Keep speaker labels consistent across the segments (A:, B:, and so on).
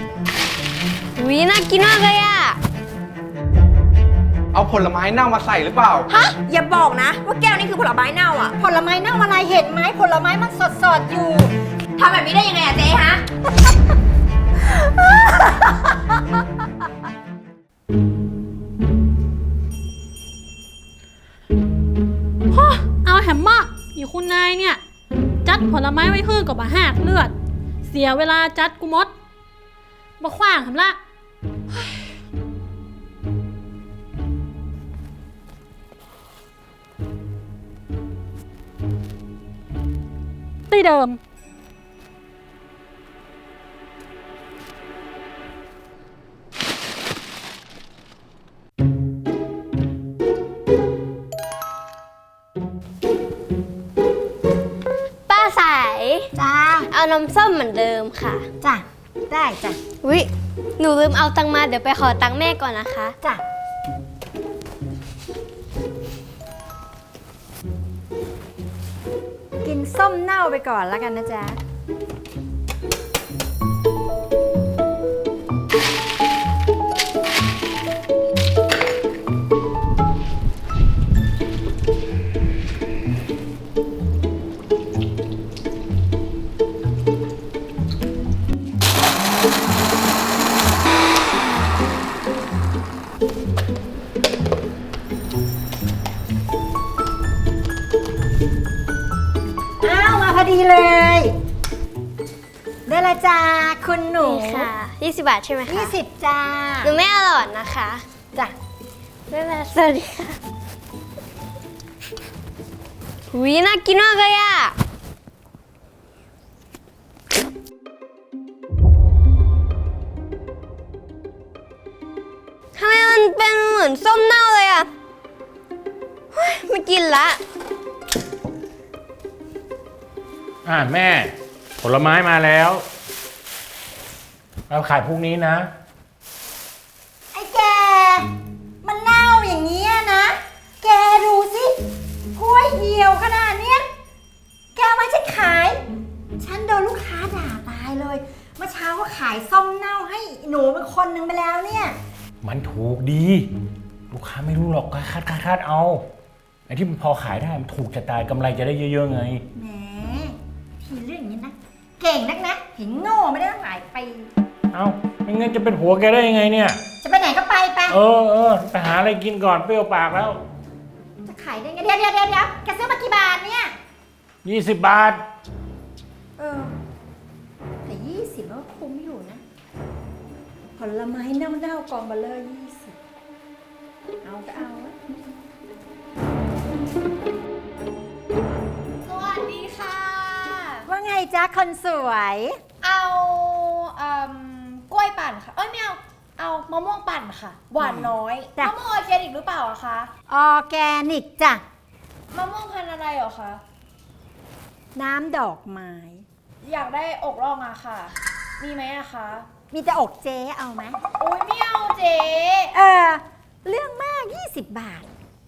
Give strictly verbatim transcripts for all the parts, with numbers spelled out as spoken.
A: วิน่ากินมากเลยอะ
B: เอาผลไม้เน่ามาใส่หรือเปล่า
C: ฮะอย่าบอกนะว่าแก้วนี่คือผลไม้เน่าอ่ะผลไม้เน่าอะไรเห็นไหมผลไม้มันสดๆอยู่ทำแบบนี้ได้ยังไงอะเจ๊ฮะ
D: เอาแหมมากอยู่คุณนายเนี่ยจัดผลไม้ไว้เพื่อกับมาหากเลือดเสียเวลาจัดกูมดมาขว้างทำละตีเดิม
A: ป้าสาย
C: จ้า
A: เอาน้ำส้มเหมือนเดิมค่ะ
C: จ้ะได้จ้ะ
A: วิหนูลืมเอาตังค์มาเดี๋ยวไปขอตังค์แม่ก่อนนะคะ
C: จ้ะกินส้มเน่าไปก่อนแล้วกันนะจ๊ะอ้าวมาพอดีเลยได้ละจ้าคุณหนู
A: นี่ค่ะยี่สิบบาทใช่ไหมคะ
C: ยี่สิบจ้า
A: หนูไม่อร่อยนะคะ
C: จ้ะ
A: ไม่เป็นไรสวัสดีค่ะวิน่ากินมากเลยอะทำไมมันเป็นเหมือนส้มเน่าเลยอะเฮ้ยไม่กินละ
E: อ่าแม่ผลไม้มาแล้วเราขายพรุ่งนี้นะ
C: ไอ้แกมันเน่าอย่างนี้นะ แกดูสิกล้วยเหี่ยวขนาดเนี้ยแกเอามาฉันขาย ฉันโดนลูกค้าด่าตายเลยเมื่อเช้าก็ขายส้มเน่าให้หนูเป็นคนหนึ่งไปแล้วเนี่ย
E: มันถูกดี ลูกค้าไม่รู้หรอกคาดคาดคาดเอาไอ้ที่มันพอขายได้มันถูกจะตายกำไรจะได้เยอะๆไง
C: แหมทีเรื่องอย่างนี้นะเก่งนักนะเห็นโง่ไม่ได้ตั้งหลายปี
E: เอ้าไม่งั้นจะเป็นผัวแกได้ยังไงเนี่ย
C: จะไปไหนก็ไปไป
E: เออเออไปหาอะไรกินก่อนเปรี้ยวปากแล้ว
C: จะขายได้ไงเดี๋ยวเดี๋ยวเดี๋ยวเดี๋ยวแกซื้อมากี่บาทเนี่ย
E: ยี่สิบบาท
C: เออแต่ยี่สิบก็คุ้มอยู่นะผลไม้เน่าๆกองเบลเลอร์ยี่สิบเอาก็เอาอะ
F: สวัสดีค่ะ
C: ว่าไงจ๊ะคนสวย
F: เอาเอ่มกล้วยปั่นค่ะ เอ้ยไม่เอา เอามะม่วงปั่นค่ะ หวานน้อย
C: จ้ะ
F: มะม่วงออร์แกนิกหรือเปล่าอะคะ
C: ออร์แกนิกจ้ะ
F: มะม่วงพันธุ์อะไรเหรอคะ
C: น้ำดอกไม้
F: อยากได้อกร่องอะค่ะ มีไหมอะคะ
C: มีแต่อกเจ๊เอาไหม
F: โอ้ยไม่เอาเจ๊
C: เออเรื่องมากยี่สิบบาท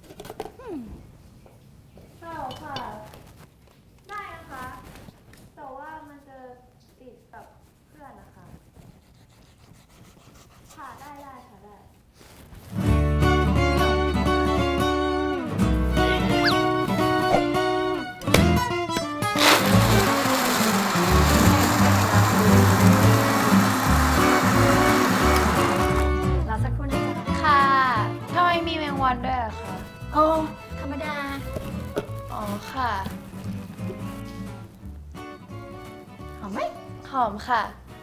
F: เอาค่ะ ได้นะคะ แต่ว่ามันจะติดกับเพื่อนนะคะ ค่ะได้ได้ค่ะได้
C: เราสักครู่นะจ๊ะ
F: ค่ะทำไมมีแมงวันด้วยอะคะ
C: โอ้ธรรมดา
F: อ๋อค่ะ
C: หอมไหม
F: หอมค่ะ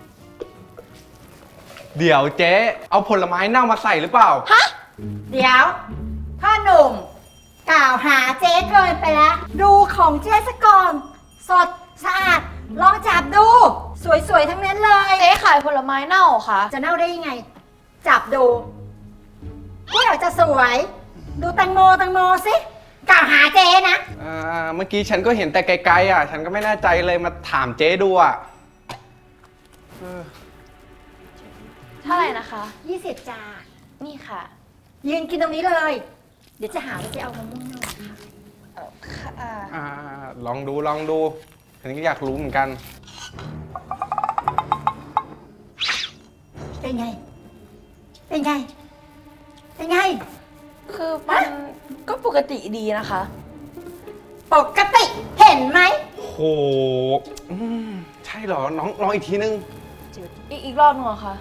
B: เดี๋ยวเจ๊เอาผลไม้เน่ามาใส่หรือเปล่า
C: เดี๋ยวพ่อหนุ่มกล่าวหาเจ๊เกินไปแล้ว ดูของเจ๊สะก่อนสดสะอาดลองจับดู สวยๆ ทั้งนั้นเลย
F: เจ๊ขายผลไม้เน่าเหรอคะ
C: จะเน่าได้ยังไง จับดูก็อยากจะสวย ดูแตงโมแตงโมสิกล่าวหาเจ๊นะ
B: อ่า เมื่อกี้ฉันก็เห็นแต่ไกลๆอ่ะ ฉันก็ไม่แน่ใจเลยมาถามเจ๊ดูอ่ะเออ
F: เท่าไหร่นะคะ
C: ยี่สิบจา
F: นี่ค่ะ
C: ยืนกินตรงนี้เลย เดี๋ยวจะหาว่าเจ๊เอามะม่วงเน่ามาค่ะ
F: เออค่ะอ่า
B: อ่า ลองดูลองดูฉันก็อยากรู้เหมือนกัน
C: เป็นไง เป็นไง เป็นไง
F: คือมันก็ปกติดีนะคะ
C: ปกติเห็นไหม
B: โหอืมใช่เหรอ น้องลองอีกทีนึง
F: อีกอีกรอบหนึงเหรอคะ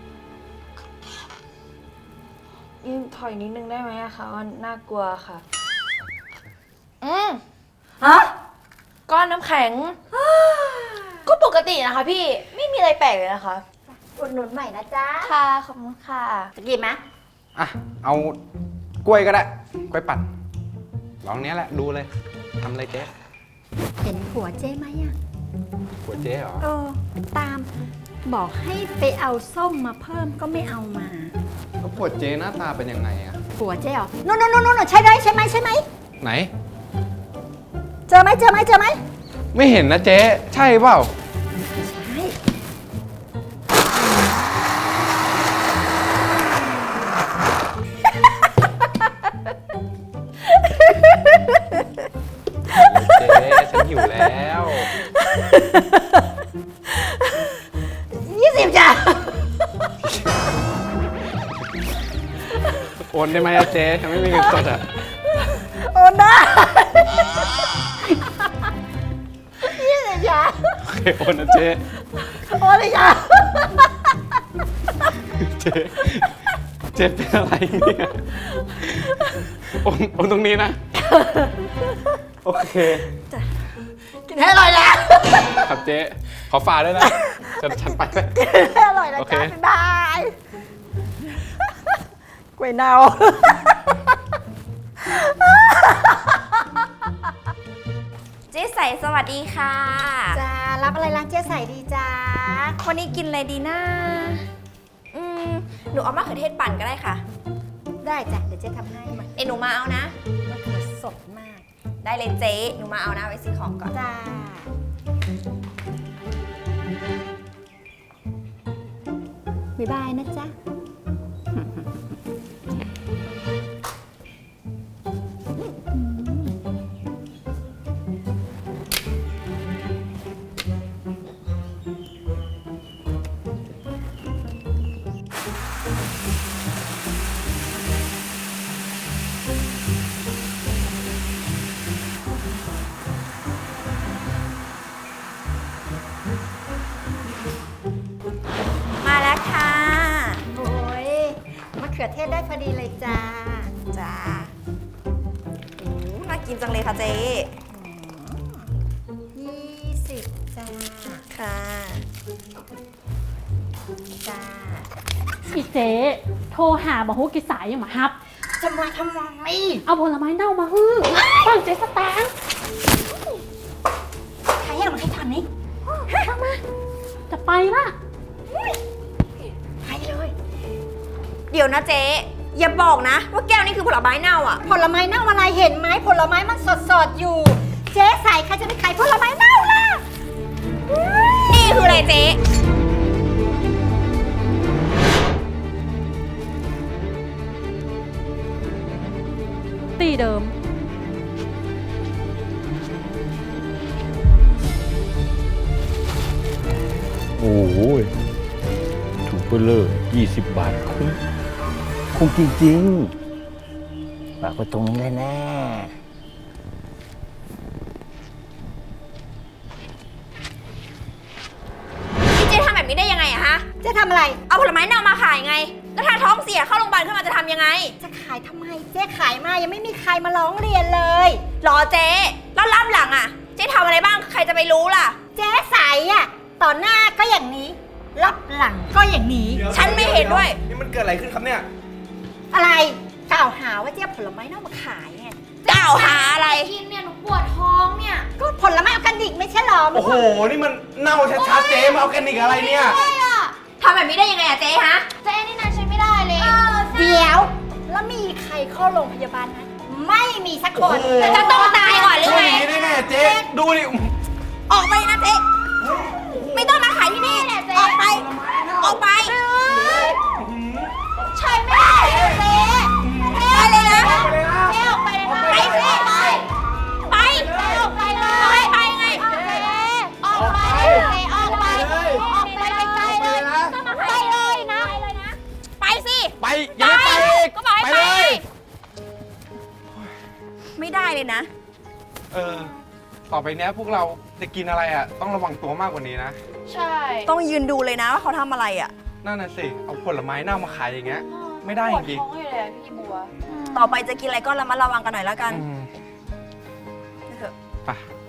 F: ยิ่งถอยนิดนึงได้ไหมอะคะมันน่ากลัวค่ะ อืม
C: ฮะ
F: ก้อนน้ำแข็ง ก็ปกตินะคะพี่ ไม่มีอะไรแปลกเลยนะคะ
C: อุดหนุนใหม่นะจ๊ะ
F: ค่ะ ขอบคุณค่ะ
C: จะกินไหม
B: อ่ะ เอากล้วยก็ได้ กล้วยปั่นลองเนี้ยแหละ ดูเลย ทำอะไรเจ๊
C: เห็นผัวเจ๊ไหมอ่ะ
B: หัวเจ๊เหรอ
C: เออ ตาม บอกให้ไปเอาส้มมาเพิ่มก็ไม่เอามา
B: แล้วหัวเจ๊หน้าตาเป็นยังไงอะ
C: ผัวเจ๊เหรอนู่นนู่นนู่นใช่ได้ใช่ไหมใช่ไหม
B: ไหน
C: เจอไหมเจอไหมเจอไหม
B: ไม่เห็นนะเจ๊ ใช่เปล่า
C: ใช่
B: เจ๊ฉันหิวแล้ว
C: ยี่สิบจ้ะ
B: โอนได้ไหมอะเจ๊ฉันไม่มีเงินสดอะ
C: โอนได้ยี่สิบจ้ะ
B: โอเคโอนนะเจ๊
C: โอนเลยจ้ะ
B: เจ๊เจ๊เป็นอะไรเนี่ยโอนโอนตรงนี้นะ โอเค
C: กินให้อร่อยแล้ว
B: ครับเจ๊ขอฝากด้วยนะฉันฉันไปแล้ว
C: กินให้อร่อยนะ
B: โอเค
C: จ๊ะบ๊ายบายกล้วยเน่า
A: เจ๊ใสสวัสดีค่ะ
C: จ้ารับอะไรร้านเจ๊ใส่ดีจ้า
A: วันนี้กินอะไรดีนะอืมหนูเอามะเขือเทศปั่นก็ได้ค่ะ
C: ได้จ้ะเดี๋ยวเจ๊ทำให้มา
A: เอยหนูมาเอานะ
C: มะเขือสดมาก
A: ได้เลยเจ๊ หนูมาเอานะไว้ซื้อของก่อน
C: จ้าบ๊ายบายนะจ๊ะ
A: มาแล้วค่ะ
C: โอ้ยมะเขือเทศได้พอดีเลยจ้า
A: จ้าอืมน่ากินจังเลยค่ะเจ๊
C: ยี่สิบจ้า
A: ค่ะ
C: จ้า
D: อีเจ๊โทรหาบอกฮู้กิสายยังมาฮับ
C: จะมาทำไม
D: เอาผลไม้เน่ามาฮื้อฟังเจ๊สตางค์
C: ใครให้เรามาให้ทำนี้
D: เข้ามา จะไปละ
C: ไปเลย
A: เดี๋ยวนะเจ๊ อย่าบอกนะ ว่าแก้วนี้คือผลไม้เน่าอ่ะ
C: ผลไม้เน่าอะไรเห็นไหมผลไม้มันสดๆอยู่ เจ๊ใส่ใครจะไปขายผลไม้เน่าล่ะ
A: นี่คืออะไรเจ๊
D: ตีเดิม
E: โอ้โหถูกไปเลยยี่สิบบาทคุ้มคุ้มจริงๆฝากไว้ตรงนี้แน่
A: พี่เจ๊ทำแบบนี้ได้ยังไงอะฮะ
C: เจ๊ทำอะไร
A: เอาผลไม้เน่ามาขายไง แล้วถ้าท้องเสียเข้าโรงพยาบาลขึ้นมาจะทำยังไง
C: จะขายทำไม เจ๊ขายมายังไม่มีใครมาร้องเรียนเลย
A: รอเจ๊ แล้วรับหลังอะเจ๊ทำอะไรบ้าง ใครจะไปรู้ล่ะ
C: เจ๊ใส่อะต่อหน้าก็อย่างนี้ รับหลังก็อย่างนี้
A: ฉันไม่เห็นด้วย
B: นี่มันเกิดอะไรขึ้นครับเนี่ย
C: อะไรกล่าวหาว่าเจ๊เอาผลไม้เน่ามาขายไง
A: กล่าวหาอะไร
F: กินเนี่ยหนูปวดท้องเนี่ย
C: ก็ผลไม้ออร์แกนิกไม่ใช่หรอ
B: โอ้โห นี่มันเน่าชัดๆเจ๊มาเอาแกนิกอะไรเนี่ย
A: ทำแบบนี้ได้ยังไงอะเจ๊ฮะ
F: เจ๊นี่นะใช้ไม่ได้เลย
C: เดี๋ยว แล้วมีใครเข้าโรงพยาบาลนะไม่มีสักคน
B: โอ้โห
A: จะต้องตายก่อนหรือ
B: ช่วย
A: ไง
B: อย่างนี้ได้ไงเจ๊ ดูดิ
A: ออกไปนะเจ๊ ไม่ต้องมาขายที่นี่ ออกไป ออกไป
C: ใช่ไม่ได้เจ๊
A: ไปเลยนะ
C: เจ๊ออกไปเลยนะ
A: ไปสิ
C: ไป
A: ไป
C: ออกไปเลย
A: ไปไปไง
C: ออกไปเลยออกไปออกไปไกลๆเลยไปเลยนะไป
A: เลยนะ
B: เออ ต่อไปเนี้ยพวกเราจะกินอะไรอ่ะ ต้องระวังตัวมากกว่านี้นะ
F: ใช่
A: ต้องยืนดูเลยนะว่าเขาทำอะไรอ่ะ
B: นั่นน่ะสิ เอาผลไม้เน่ามาขายอย่างเงี้ย ไม่ได้
F: ป
B: จ
F: วด
B: ริง
F: ท้องอยู่เลยอะพี่บัว
A: ต่อไปจะกินอะไรก็ระมัดระวังกันหน่อยแล้วกัน
B: ๆอืม
A: เถอะ
B: ไป